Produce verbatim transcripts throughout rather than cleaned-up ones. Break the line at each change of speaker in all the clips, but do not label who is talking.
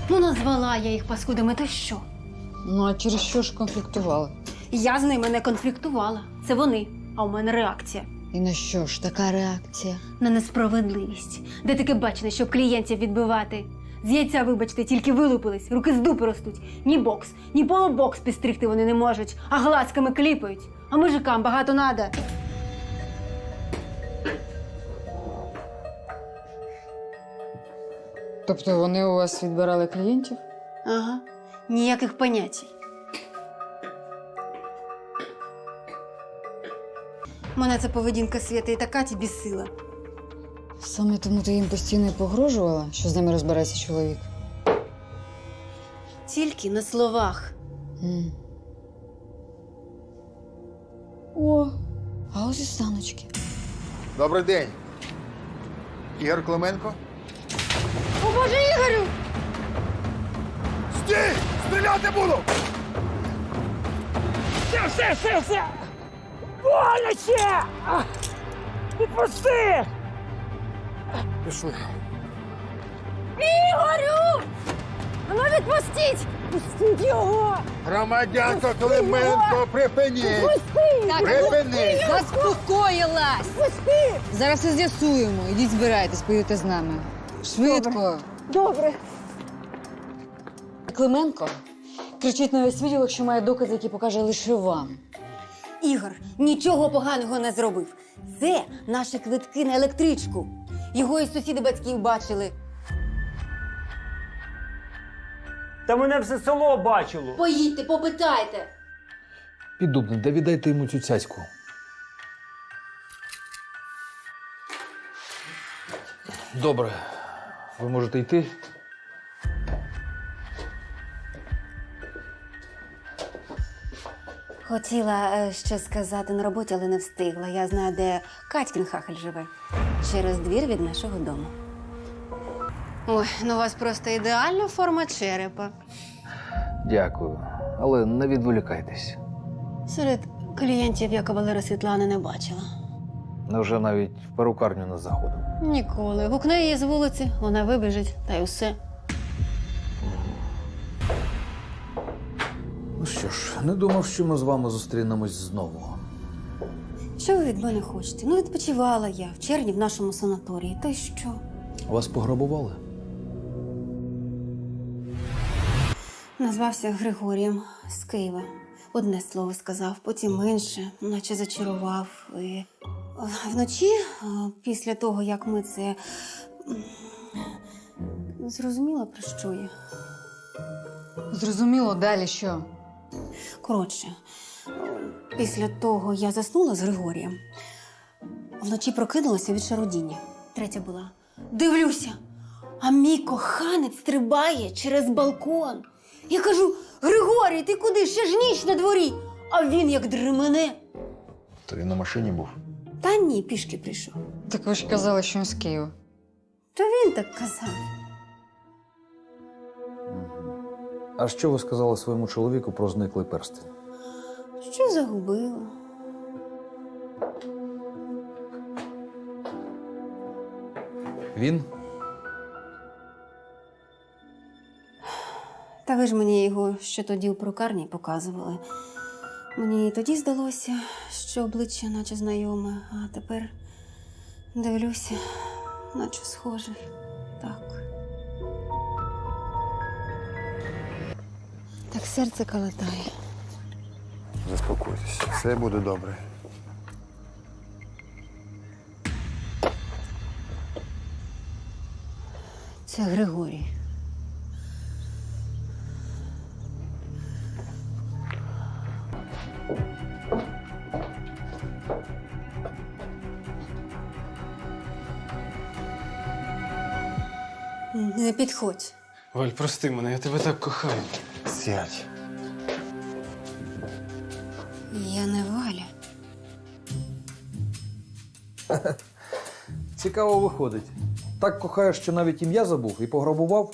Ну, назвала я їх паскудами, то що?
Ну, а через що ж конфліктували?
Я з ними не конфліктувала. Це вони, а у мене реакція.
І на що ж така реакція?
На несправедливість. Де таке бачено, щоб клієнтів відбивати? З яйця, вибачте, тільки вилупились, руки з дупи ростуть. Ні бокс, ні полубокс підстригти вони не можуть, а глазками кліпають. А мужикам багато надо.
Тобто вони у вас відбирали клієнтів?
Ага, ніяких понятій. Мене ця поведінка Свята і та Каті бісила.
Саме тому ти їм постійно і погрожувала, що з ними розбереться чоловік?
Тільки на словах.
М. О, а ось і саночки.
Добрий день. Ігор Клименко?
О, Боже, Ігорю!
Стій! Стріляти буду!
Все, все, все, все! Боляче! А! Відпусти!
Пішли.
Ігорю! А ну відпустіть!
Пустіть його!
Громадянко Клименко, припиніть!
Пусти!
Припиніть!
Заспокоїлась!
Пусти!
Зараз все з'ясуємо. Ідіть збирайтесь, поїдьте з нами. Швидко.
Добре.
Клименко кричить на весь відділок, що має докази, які покаже лише вам.
Ігор нічого поганого не зробив. Це наші квитки на електричку. Його і сусіди батьків бачили.
Та мене все село бачило.
Поїдьте, попитайте.
Піддубний, да віддайте йому цю цяцьку. Добре. Ви можете йти.
Хотіла е, щось сказати на роботі, але не встигла. Я знаю, де Катькін хахаль живе. Через двір від нашого дому. Ой, ну у вас просто ідеальна форма черепа.
Дякую. Але не відволікайтесь.
Серед клієнтів я кавалера Світлани не бачила.
Невже навіть в перукарню не заходив?
Ніколи. Гукне її з вулиці, вона вибіжить, та й усе.
Ну що ж, не думав, що ми з вами зустрінемось знову.
Що ви від мене хочете? Ну, відпочивала я в червні в нашому санаторії. Та й що?
Вас пограбували?
Назвався Григорієм з Києва. Одне слово сказав, потім інше, наче зачарував. І е, вночі, е, після того, як ми це м, зрозуміла, про що я.
Зрозуміло, далі що?
Коротше, е, після того я заснула з Григорієм. Вночі прокинулася від шарудіння. Третя була. Дивлюся, а мій коханець стрибає через балкон. Я кажу: Григорій, ти куди? Ще ж ніч на дворі. А він як дремене.
То він на машині був.
Та ні, пішки прийшов.
Так ви ж казали, що він з Києва.
То він так казав.
А що ви сказали своєму чоловіку про зниклий перстень?
Що загубила?
Він?
Та ви ж мені його ще тоді у прокарні показували. Мені і тоді здалося, що обличчя наче знайоме, а тепер дивлюся, наче схожий. Так. Так серце калатає.
Заспокойтесь, все буде добре.
Це Григорій. Не підходь.
Валь, прости мене, я тебе так кохаю.
Сядь.
Я не Валя.
Цікаво виходить. Так кохаєш, що навіть ім'я забув і пограбував?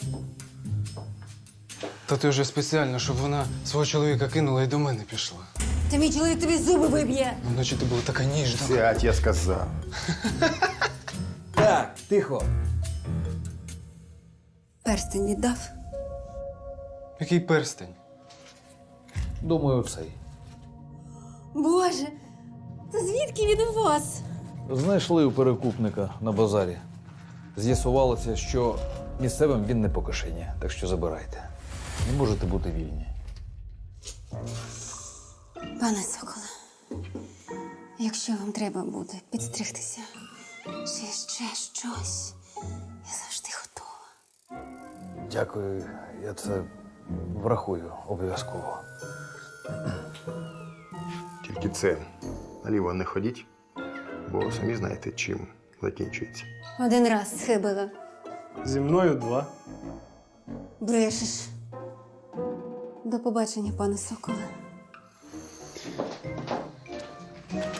Та ти вже спеціально, щоб вона свого чоловіка кинула і до мене пішла.
Та мій чоловік тобі зуби виб'є.
Вночі ти була така ніжна.
Сядь, я сказав.
Так, тихо.
Перстень віддав.
Який перстень?
Думаю, цей.
Боже, це звідки він у вас?
Знайшли у перекупника на базарі. З'ясувалося, що місцевим він не по кишені, так що забирайте. Не можете бути вільні.
Пане Соколе, якщо вам треба буде підстригтися, чи ще щось, я завжди готова.
Дякую, я це врахую обов'язково.
Тільки це наліво не ходіть, бо самі знаєте, чим закінчується.
Один раз схибила.
Зі мною два.
Брешеш. До побачення, пане Соколе.